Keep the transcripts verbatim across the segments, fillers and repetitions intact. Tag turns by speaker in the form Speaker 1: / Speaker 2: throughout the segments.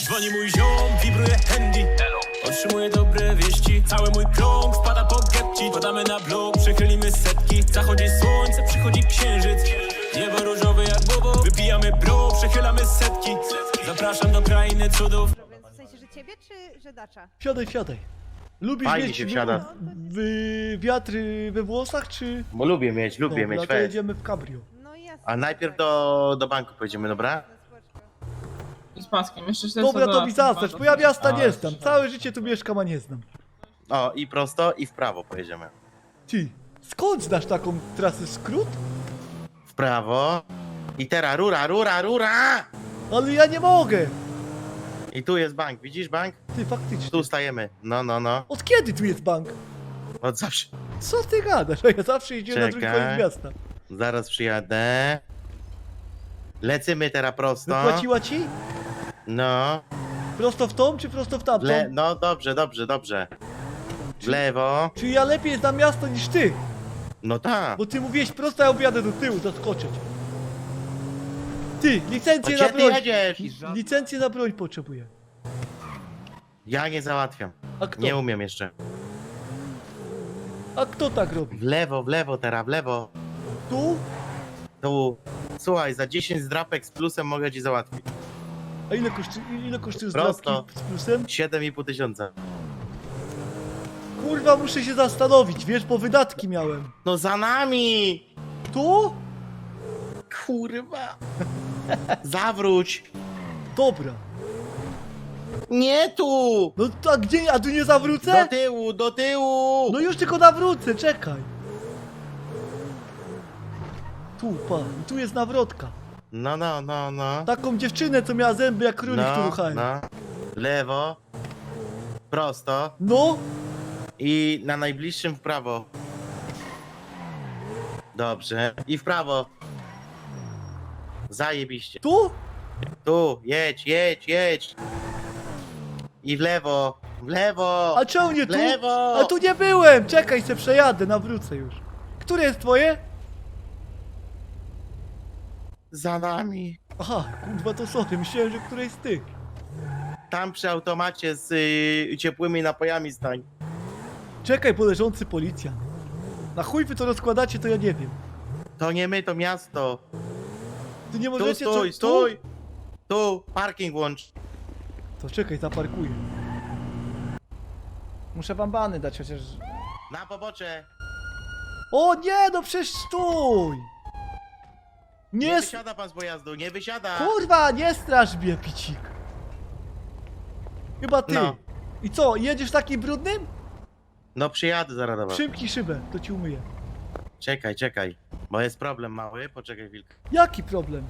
Speaker 1: Dzwoni mój ziom, wibruje handy. Otrzymuję dobre wieści. Cały mój krąg wpada po getci. Podamy na blok, przechylimy setki. Zachodzi słońce, przychodzi księżyc. Niebo różowe jak bobo. Wypijamy bro, przechylamy setki. Zapraszam do krainy cudów.
Speaker 2: W sensie, że ciebie czy że Dacza?
Speaker 3: Siadaj, siadaj. Lubisz
Speaker 4: Fajnie
Speaker 3: mieć
Speaker 4: się
Speaker 3: w-
Speaker 4: wsiada.
Speaker 3: w- wiatry we włosach, czy...
Speaker 4: Bo lubię mieć, lubię
Speaker 3: Dobra,
Speaker 4: mieć,
Speaker 3: to
Speaker 4: weź.
Speaker 3: jedziemy w cabrio.
Speaker 2: No jasne.
Speaker 4: A najpierw do, do banku pojedziemy, dobra?
Speaker 5: I z paskiem, jeszcze czterysta
Speaker 3: Dobra, to mi
Speaker 5: dolarów.
Speaker 3: zaznacz, bo ja miasta
Speaker 5: A,
Speaker 3: nie znam.
Speaker 5: jeszcze-
Speaker 3: Całe życie tu mieszkam, a nie znam.
Speaker 4: O, i prosto, i w prawo pojedziemy.
Speaker 3: Ty, skąd znasz taką trasę skrót?
Speaker 4: W prawo. I teraz rura, rura, rura!
Speaker 3: Ale ja nie mogę.
Speaker 4: I tu jest bank, widzisz bank?
Speaker 3: Ty, faktycznie.
Speaker 4: Tu stajemy. No, no, no.
Speaker 3: Od kiedy tu jest bank?
Speaker 4: Od zawsze.
Speaker 3: Co ty gadasz? A ja zawsze jeździłem na drugi
Speaker 4: Czekaj.
Speaker 3: koniec miasta.
Speaker 4: Zaraz przyjadę. Lecimy teraz prosto.
Speaker 3: Wypłaciła ci?
Speaker 4: No.
Speaker 3: Prosto w tą, czy prosto w tamtą?
Speaker 4: Le no dobrze, dobrze, dobrze. W lewo.
Speaker 3: Czy ja lepiej znam miasto niż ty?
Speaker 4: No tak.
Speaker 3: Bo ty mówiłeś prosto, a ja objadę do tyłu, zaskoczyć. Ty,
Speaker 4: A
Speaker 3: licencję
Speaker 4: gdzie
Speaker 3: na
Speaker 4: ty
Speaker 3: broń.
Speaker 4: jedziesz?
Speaker 3: Licencję na broń potrzebuję.
Speaker 4: Ja nie załatwiam.
Speaker 3: A kto?
Speaker 4: Nie umiem jeszcze.
Speaker 3: A kto tak robi?
Speaker 4: W lewo, w lewo teraz, w lewo.
Speaker 3: Tu?
Speaker 4: Tu. Słuchaj, za dziesięć zdrapek z plusem mogę ci załatwić.
Speaker 3: A ile kosztuje, ile kosztuje
Speaker 4: Prosto.
Speaker 3: zdrapki z plusem?
Speaker 4: siedem i pół tysiąca.
Speaker 3: Kurwa, muszę się zastanowić, wiesz, bo wydatki miałem.
Speaker 4: No za nami!
Speaker 3: Tu?
Speaker 4: Kurwa. Zawróć.
Speaker 3: Dobra.
Speaker 4: Nie tu!
Speaker 3: No to a gdzie, a tu nie
Speaker 4: Do
Speaker 3: zawrócę?
Speaker 4: tyłu, do tyłu!
Speaker 3: No już tylko nawrócę, czekaj. Tu, pa, i tu jest nawrotka.
Speaker 4: No, no, no, no.
Speaker 3: Taką dziewczynę, co miała zęby jak królik, tu
Speaker 4: No,
Speaker 3: ruchałem.
Speaker 4: no. Lewo. Prosto.
Speaker 3: No,
Speaker 4: I na najbliższym w prawo. Dobrze. I w prawo. Zajebiście.
Speaker 3: tu?
Speaker 4: Tu, jedź, jedź, jedź. I w lewo. W lewo.
Speaker 3: A czemu nie
Speaker 4: w
Speaker 3: tu?
Speaker 4: lewo.
Speaker 3: A tu nie byłem! Czekaj, se przejadę, nawrócę już. Które jest twoje?
Speaker 4: Za nami.
Speaker 3: Aha, kurwa to sorry, myślałem, że któreś z tych.
Speaker 4: Tam przy automacie z y, ciepłymi napojami stań.
Speaker 3: Czekaj, bo leżący policjant. Na chuj wy to rozkładacie, to ja nie wiem.
Speaker 4: To nie my, to miasto.
Speaker 3: Ty nie
Speaker 4: Tu
Speaker 3: możecie... co-
Speaker 4: stój,
Speaker 3: tu?
Speaker 4: stój. Tu, parking łącz.
Speaker 3: To czekaj, zaparkuję. Muszę wam bany dać chociaż...
Speaker 4: Na pobocze.
Speaker 3: O nie, no przecież stój!
Speaker 4: Nie
Speaker 3: Nie... s-
Speaker 4: wysiada pan z pojazdu, nie wysiada.
Speaker 3: Kurwa, nie straż mnie, picik. Chyba ty.
Speaker 4: No.
Speaker 3: I co, jedziesz takim brudnym?
Speaker 4: No przyjadę zaraz do was.
Speaker 3: Przymknij szybę, to ci umyję.
Speaker 4: Czekaj, czekaj. Bo jest problem mały, poczekaj chwilkę.
Speaker 3: Jaki problem?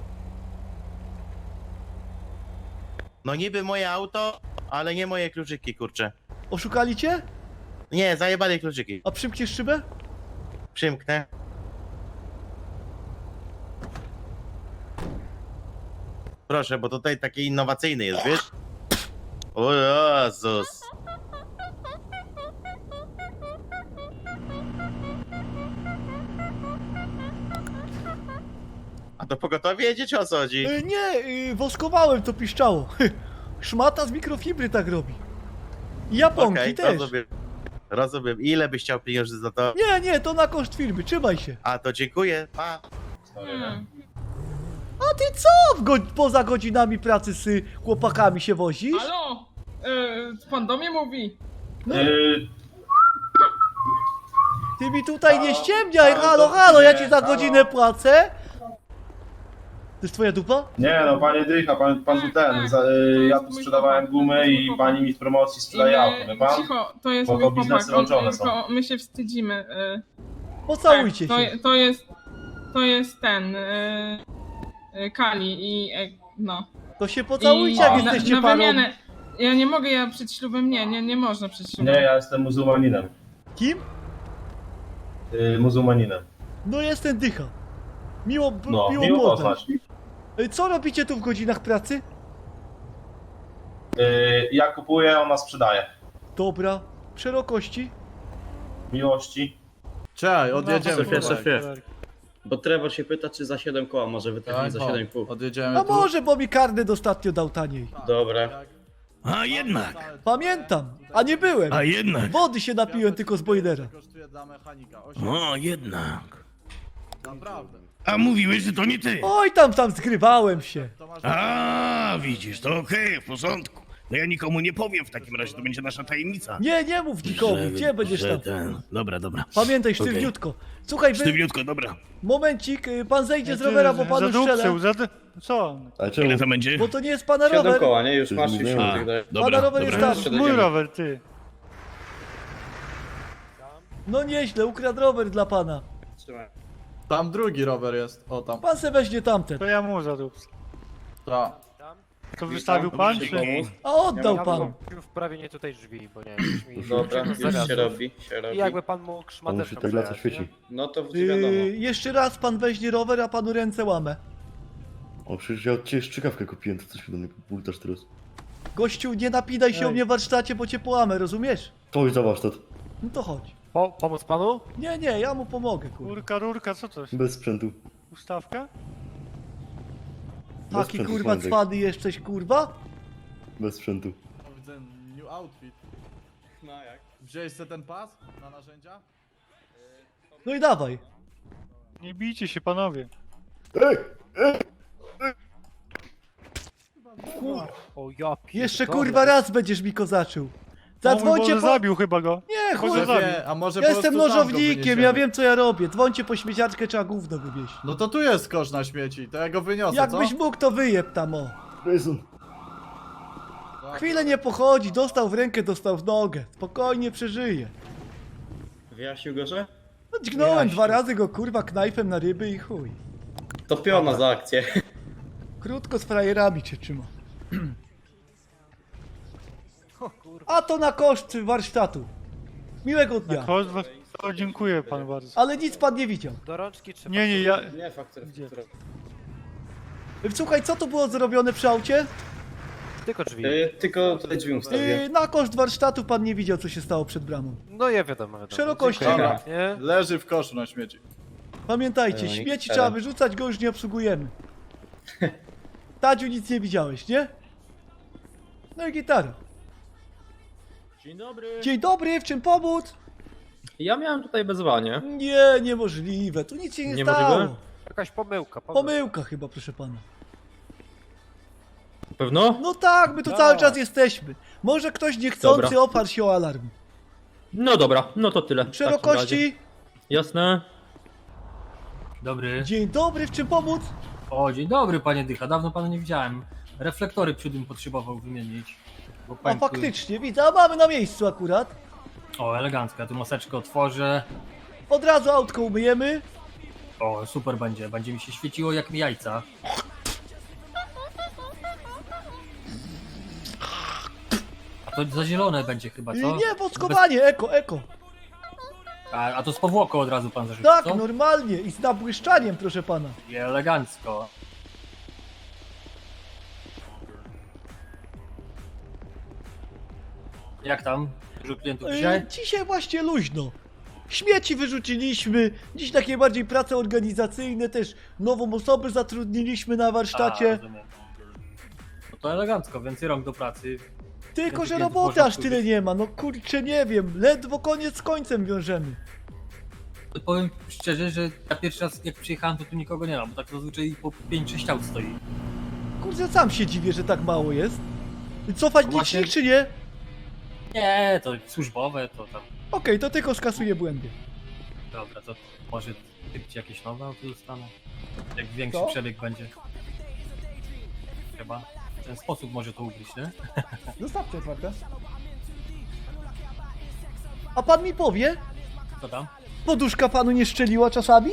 Speaker 4: No niby moje auto, ale nie moje kluczyki, kurczę.
Speaker 3: Oszukali cię?
Speaker 4: Nie, zajebali kluczyki.
Speaker 3: A przymkniesz szybę?
Speaker 4: Przymknę. Proszę, bo tutaj taki innowacyjny jest, wiesz? O Jezus. A to pogotowie jedzie, czy o co chodzi?
Speaker 3: Y, nie, y, woskowałem, to piszczało. Szmata z mikrofibry tak robi. I japonki
Speaker 4: Okej,
Speaker 3: też.
Speaker 4: rozumiem. Rozumiem. Ile byś chciał pieniędzy za to?
Speaker 3: Nie, nie, to na koszt firmy, trzymaj się.
Speaker 4: A, to dziękuję. Pa.
Speaker 5: Hmm.
Speaker 3: A ty co w go poza godzinami pracy z y, chłopakami się wozisz?
Speaker 5: Halo? E, pan do mnie mówi?
Speaker 6: Yy,
Speaker 3: Ty mi tutaj nie
Speaker 6: Halo?
Speaker 3: ściemniaj,
Speaker 6: Halo,
Speaker 3: halo,
Speaker 6: to
Speaker 3: halo, ja
Speaker 6: nie,
Speaker 3: ci za
Speaker 6: halo.
Speaker 3: godzinę płacę. To jest twoja dupa?
Speaker 6: nie no, panie Dycha, pan, pan tu ten, za, yy, ja tu sprzedawałem gumy i pani mi z promocji sprzedaje auto, wie pan?
Speaker 5: Cicho, to jest
Speaker 6: Bo
Speaker 5: mój
Speaker 6: to
Speaker 5: chłopak,
Speaker 6: biznesy
Speaker 5: on,
Speaker 6: łączone są.
Speaker 5: to my się wstydzimy. E,
Speaker 3: Pocałujcie
Speaker 5: tak,
Speaker 3: się.
Speaker 5: to, to jest, to jest ten, e, e, Kali i e, no.
Speaker 3: To się pocałujcie,
Speaker 5: I
Speaker 3: jak
Speaker 5: na,
Speaker 3: jesteście
Speaker 5: na
Speaker 3: parą.
Speaker 5: wymianę. Ja nie mogę, ja przed ślubem nie, nie, nie można przed ślubem.
Speaker 6: Nie, ja jestem muzułmaninem.
Speaker 3: Kim?
Speaker 6: Yy, muzułmaninem.
Speaker 3: No jestem Dycha. Miło, b-
Speaker 6: No,
Speaker 3: miło,
Speaker 6: miło
Speaker 3: poznać.
Speaker 6: poznać.
Speaker 3: Y, Co robicie tu w godzinach pracy?
Speaker 6: Yy, ja kupuję, ona sprzedaje.
Speaker 3: Dobra. Szerokości?
Speaker 6: Miłości.
Speaker 7: Czekaj, odjedziemy.
Speaker 8: Szefie,
Speaker 7: powoli.
Speaker 8: szefie. Bo Trevor się pyta, czy za siedem koła może wytniemy za siedem i pół.
Speaker 7: Odjedziemy
Speaker 3: A
Speaker 7: tu.
Speaker 3: może, bo mi karnet ostatnio dał taniej.
Speaker 8: Dobra.
Speaker 7: A jednak,
Speaker 3: Pamiętam, a nie byłem.
Speaker 7: a jednak.
Speaker 3: Wody się napiłem tylko z boilera.
Speaker 6: Kosztuje dla mechanika. osiem.
Speaker 7: O, jednak.
Speaker 6: Naprawdę.
Speaker 7: A mówiłeś, że to nie ty.
Speaker 3: Oj, tam, tam zgrywałem się.
Speaker 6: To masz...
Speaker 7: A, widzisz, to okej, w porządku. No ja nikomu nie powiem w takim razie, to będzie nasza tajemnica.
Speaker 3: Nie, nie mów nikomu,
Speaker 7: Że-
Speaker 3: gdzie będziesz
Speaker 7: że
Speaker 3: tam?
Speaker 7: ten. Dobra, dobra.
Speaker 3: Pamiętaj,
Speaker 7: Okej.
Speaker 3: sztywniutko. Słuchaj, wy...
Speaker 7: Sztywniutko, dobra.
Speaker 3: momencik, y, pan zejdzie z rowera, bo panu strzelę.
Speaker 9: Co?
Speaker 10: Ale czemu?
Speaker 7: Ile to będzie?
Speaker 3: Bo to nie jest pana
Speaker 8: Siedem
Speaker 3: rower.
Speaker 8: koła, nie? Już
Speaker 10: Coś
Speaker 8: masz
Speaker 10: mówiłem.
Speaker 8: już
Speaker 7: A,
Speaker 8: tak dalej.
Speaker 7: dobra,
Speaker 3: Pana rower jest
Speaker 7: dobra.
Speaker 3: tam.
Speaker 9: Mój rower, ty.
Speaker 3: No nieźle, ukradł rower dla pana.
Speaker 8: Trzymaj.
Speaker 6: Tam drugi rower jest. O, tam.
Speaker 3: Pan se weźmie tamten.
Speaker 9: To ja mu zarób.
Speaker 6: Ta.
Speaker 9: To wystawił pan, czy?
Speaker 3: A oddał
Speaker 8: Ja
Speaker 3: pan.
Speaker 11: Wprawienie tutaj drzwi, bo nie wiem.
Speaker 8: Dobra, już się robi, się
Speaker 11: I
Speaker 8: robi.
Speaker 11: jakby pan mógł
Speaker 10: On
Speaker 11: szmateczką
Speaker 10: musi tak laca
Speaker 11: przejechać,
Speaker 10: świeci.
Speaker 11: nie?
Speaker 8: No to wiadomo.
Speaker 3: Yy, jeszcze raz pan weźmie rower, a panu ręce łamę.
Speaker 10: O, przecież ja od ciebie szczykawkę kupiłem, to coś mi do mnie bultasz teraz.
Speaker 3: Gościu, nie napinaj się
Speaker 9: Ej.
Speaker 3: o mnie w warsztacie, bo cię połamę, rozumiesz?
Speaker 10: To już za warsztat.
Speaker 3: No to chodź.
Speaker 11: Po, pomóc panu?
Speaker 3: Nie, nie, ja mu pomogę, kurwa.
Speaker 9: Rurka, rurka, co to?
Speaker 10: Bez sprzętu.
Speaker 9: Ustawka?
Speaker 10: Bez
Speaker 3: Taki
Speaker 10: sprzętu,
Speaker 3: kurwa
Speaker 10: Sławek.
Speaker 3: cwany jesteś, kurwa?
Speaker 10: Bez sprzętu.
Speaker 6: Widzę new outfit.
Speaker 8: No jak?
Speaker 6: Wziąłeś sobie ten pas na narzędzia?
Speaker 3: No i dawaj.
Speaker 9: Nie bijcie się, panowie.
Speaker 10: Ej!
Speaker 11: O ja
Speaker 3: Jeszcze
Speaker 11: pierdolę.
Speaker 3: kurwa raz będziesz mi kozaczył.
Speaker 9: O mój
Speaker 3: Zadzwońcie
Speaker 9: Boże,
Speaker 3: po...
Speaker 9: zabił chyba go.
Speaker 3: Nie, chuj.
Speaker 9: Boże, zabił.
Speaker 6: a może
Speaker 3: Ja
Speaker 6: po
Speaker 3: jestem
Speaker 6: prostu tam go
Speaker 3: nożownikiem,
Speaker 6: wyniesiemy?
Speaker 3: ja wiem co ja robię. Dzwońcie po śmieciarkę, trzeba gówno wywieźć.
Speaker 6: No to tu jest kosz na śmieci, to ja go wyniosę,
Speaker 3: Jakbyś
Speaker 6: co?
Speaker 3: mógł, to wyjeb tam, o.
Speaker 10: Jason!
Speaker 3: Chwilę nie pochodzi, dostał w rękę, dostał w nogę. Spokojnie przeżyje.
Speaker 8: Wyjaśnił go, że?
Speaker 3: No dźgnąłem dwa razy go kurwa knajfem na ryby i chuj.
Speaker 8: To piona za akcję.
Speaker 3: Krótko z frajerami cię trzyma. A to na koszt warsztatu. Miłego dnia.
Speaker 9: Chodź, was- o, dziękuję pan bardzo.
Speaker 3: Ale nic pan nie widział.
Speaker 11: Do rączki trzeba...
Speaker 9: Nie, nie, ja...
Speaker 8: Nie, faktura, faktura.
Speaker 3: Słuchaj, co to było zrobione przy aucie?
Speaker 11: Tylko drzwi.
Speaker 8: Yy, tylko tutaj drzwi ustawię.
Speaker 3: Yy, na koszt warsztatu pan nie widział, co się stało przed bramą.
Speaker 11: No ja wiadomo, wiadomo.
Speaker 3: Szerokości.
Speaker 11: Dziękuję
Speaker 6: Dobra.
Speaker 11: pięknie.
Speaker 6: Leży w koszu na śmieci.
Speaker 3: Pamiętajcie,
Speaker 8: No i
Speaker 3: śmieci
Speaker 8: teraz.
Speaker 3: trzeba wyrzucać, go już nie obsługujemy. Tadziu, nic nie widziałeś, nie? No i gitara.
Speaker 8: Dzień dobry.
Speaker 3: Dzień dobry, w czym pomóc?
Speaker 8: Ja miałem tutaj wezwanie.
Speaker 3: Nie, niemożliwe, tu nic się nie
Speaker 8: Niemożliwe?
Speaker 3: stało.
Speaker 11: Jakaś pomyłka, pomyłka.
Speaker 3: Pomyłka chyba, proszę pana.
Speaker 8: Pewno?
Speaker 3: No tak, my tu cały czas jesteśmy. Może ktoś niechcący
Speaker 8: Dobra.
Speaker 3: oparł się o alarm.
Speaker 8: No dobra, no to tyle. w takim razie.
Speaker 3: Szerokości.
Speaker 8: Jasne.
Speaker 12: Dobry.
Speaker 3: Dzień dobry, w czym pomóc?
Speaker 12: O, dzień dobry panie Dycha, dawno pana nie widziałem. Reflektory przód potrzebował wymienić. Bo
Speaker 3: A
Speaker 12: pękły.
Speaker 3: faktycznie, widzę, a mamy na miejscu akurat.
Speaker 12: O, elegancko, ja tu maseczkę otworzę.
Speaker 3: Od razu autko umyjemy.
Speaker 12: O, super będzie, będzie mi się świeciło jak mi jajca. A to za zielone będzie chyba,
Speaker 3: I
Speaker 12: co?
Speaker 3: nie, woskowanie, eko, eko.
Speaker 12: A, a to z powłoką od razu pan zarzucił,
Speaker 3: Tak,
Speaker 12: co?
Speaker 3: normalnie i z nabłyszczaniem, proszę pana.
Speaker 12: I elegancko. Jak tam? Dużo klientów dzisiaj?
Speaker 3: Yy, dzisiaj właśnie luźno. Śmieci wyrzuciliśmy, dziś takie bardziej prace organizacyjne, też nową osobę zatrudniliśmy na
Speaker 12: A,
Speaker 3: warsztacie.
Speaker 12: rozumiem. No to elegancko, więcej rąk do pracy.
Speaker 3: Tylko, że
Speaker 12: klientów
Speaker 3: roboty
Speaker 12: można
Speaker 3: aż tyle
Speaker 12: wkurzyć.
Speaker 3: nie ma, no kurczę nie wiem, ledwo koniec z końcem wiążemy.
Speaker 12: To powiem szczerze, że ja pierwszy raz jak przyjechałem, to tu nikogo nie ma, bo tak zazwyczaj po pięć sześć aut stoi.
Speaker 3: Kurczę, sam się dziwię, że tak mało jest. Cofać
Speaker 12: Właśnie-
Speaker 3: licznik czy nie?
Speaker 12: Nie, to służbowe, to tam.
Speaker 3: Okej, to tylko skasuję błędy.
Speaker 12: Dobra, to może typcie jakieś nowe auto dostaną? Jak większy
Speaker 3: Co?
Speaker 12: przebieg będzie. Chyba. W ten sposób może to ugryźć, nie?
Speaker 3: Zostawcie otwarte. A pan mi powie,
Speaker 12: Co tam?
Speaker 3: poduszka panu nie szczeliła czasami?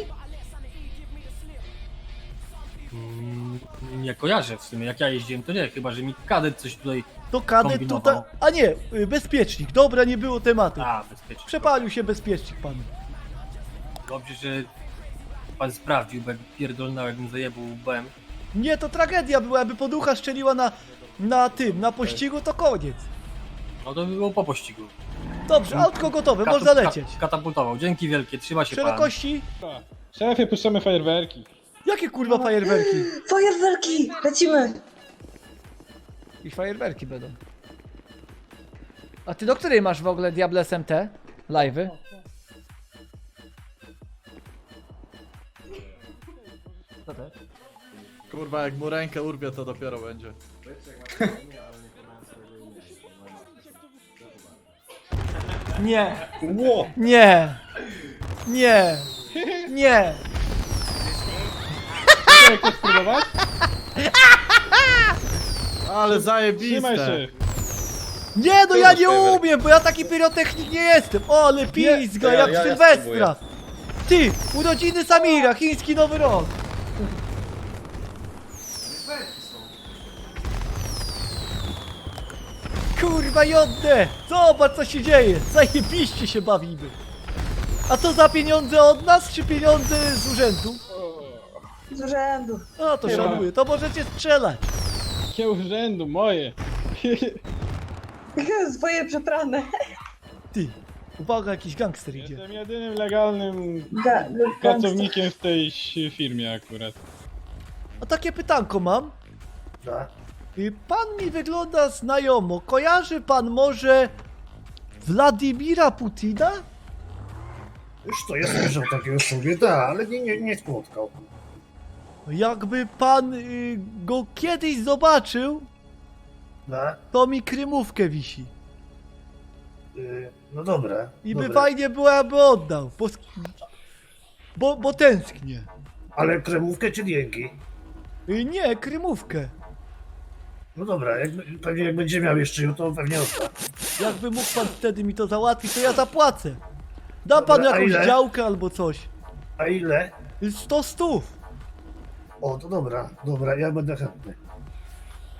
Speaker 12: Mm, nie kojarzę w sumie, jak ja jeździłem to nie, chyba że mi kadet coś tutaj...
Speaker 3: To kadet
Speaker 12: Kombinował.
Speaker 3: tutaj... A nie, y, bezpiecznik, dobra, nie było tematu.
Speaker 12: A, bezpiecznie.
Speaker 3: Przepalił się bezpiecznik panu.
Speaker 12: Dobrze, że pan sprawdził, bo jak pierdolnął, jakbym zajebał łbem.
Speaker 3: Nie, to tragedia była, jakby poducha szczeliła na, na tym, na pościgu, to koniec.
Speaker 12: No to by było po pościgu.
Speaker 3: Dobrze, autko gotowe,
Speaker 12: Katu-
Speaker 3: można lecieć.
Speaker 12: Ka katapultował, dzięki wielkie, trzyma się pan.
Speaker 3: Szerokości?
Speaker 9: Szefie, puszczamy fajerwerki.
Speaker 3: Jakie kurwa fajerwerki?
Speaker 2: Fajerwerki! Lecimy!
Speaker 3: I fajerwerki będą. A ty do której masz w ogóle Diable S M T? Live'y?
Speaker 9: Kurwa, jak mu rękę urwie, to dopiero będzie.
Speaker 3: Nie. Nie. Nie. Nie.
Speaker 9: Chcesz spróbować?
Speaker 6: Ale zajebiste.
Speaker 3: Nie, no ja nie umiem, bo ja taki pyrotechnik nie jestem. O, ale pizga, jak w Sylwestra. Ty, urodziny Samira, chiński nowy rok. Kurwa jodne! Zobacz co się dzieje! Zajebiście się bawimy! A to za pieniądze od nas, czy pieniądze z urzędu?
Speaker 2: Z urzędu.
Speaker 3: No to szanuję, to możecie strzelać!
Speaker 9: Jakie urzędu, moje.
Speaker 2: Swoje przeprane.
Speaker 3: Ty, uwaga, jakiś gangster idzie.
Speaker 9: Jestem jedynym legalnym
Speaker 2: Ga-
Speaker 9: pracownikiem w tej ś- firmie akurat.
Speaker 3: A takie pytanko mam. Y, Pan mi wygląda znajomo. Kojarzy pan może Władimira Putina?
Speaker 10: Już to ja słyszał takiego sobie, tak, ale nie, nie, nie spotkał.
Speaker 3: Jakby pan y, go kiedyś zobaczył,
Speaker 10: Tak?
Speaker 3: to mi krymówkę wisi.
Speaker 10: Yy, no dobra.
Speaker 3: I by
Speaker 10: dobra.
Speaker 3: fajnie było, aby oddał. Bo, sk- bo, bo tęsknię.
Speaker 10: Ale kremówkę czy dzięki?
Speaker 3: Y, nie, krymówkę.
Speaker 10: No dobra, jak, pewnie jak będzie miał jeszcze ją, to pewnie odda.
Speaker 3: Jakby mógł pan wtedy mi to załatwić, to ja zapłacę. Da pan
Speaker 10: Dobra, a
Speaker 3: jakąś
Speaker 10: ile?
Speaker 3: działkę albo coś.
Speaker 10: A ile?
Speaker 3: Y, sto stów.
Speaker 10: O, to dobra, dobra, ja będę chętny.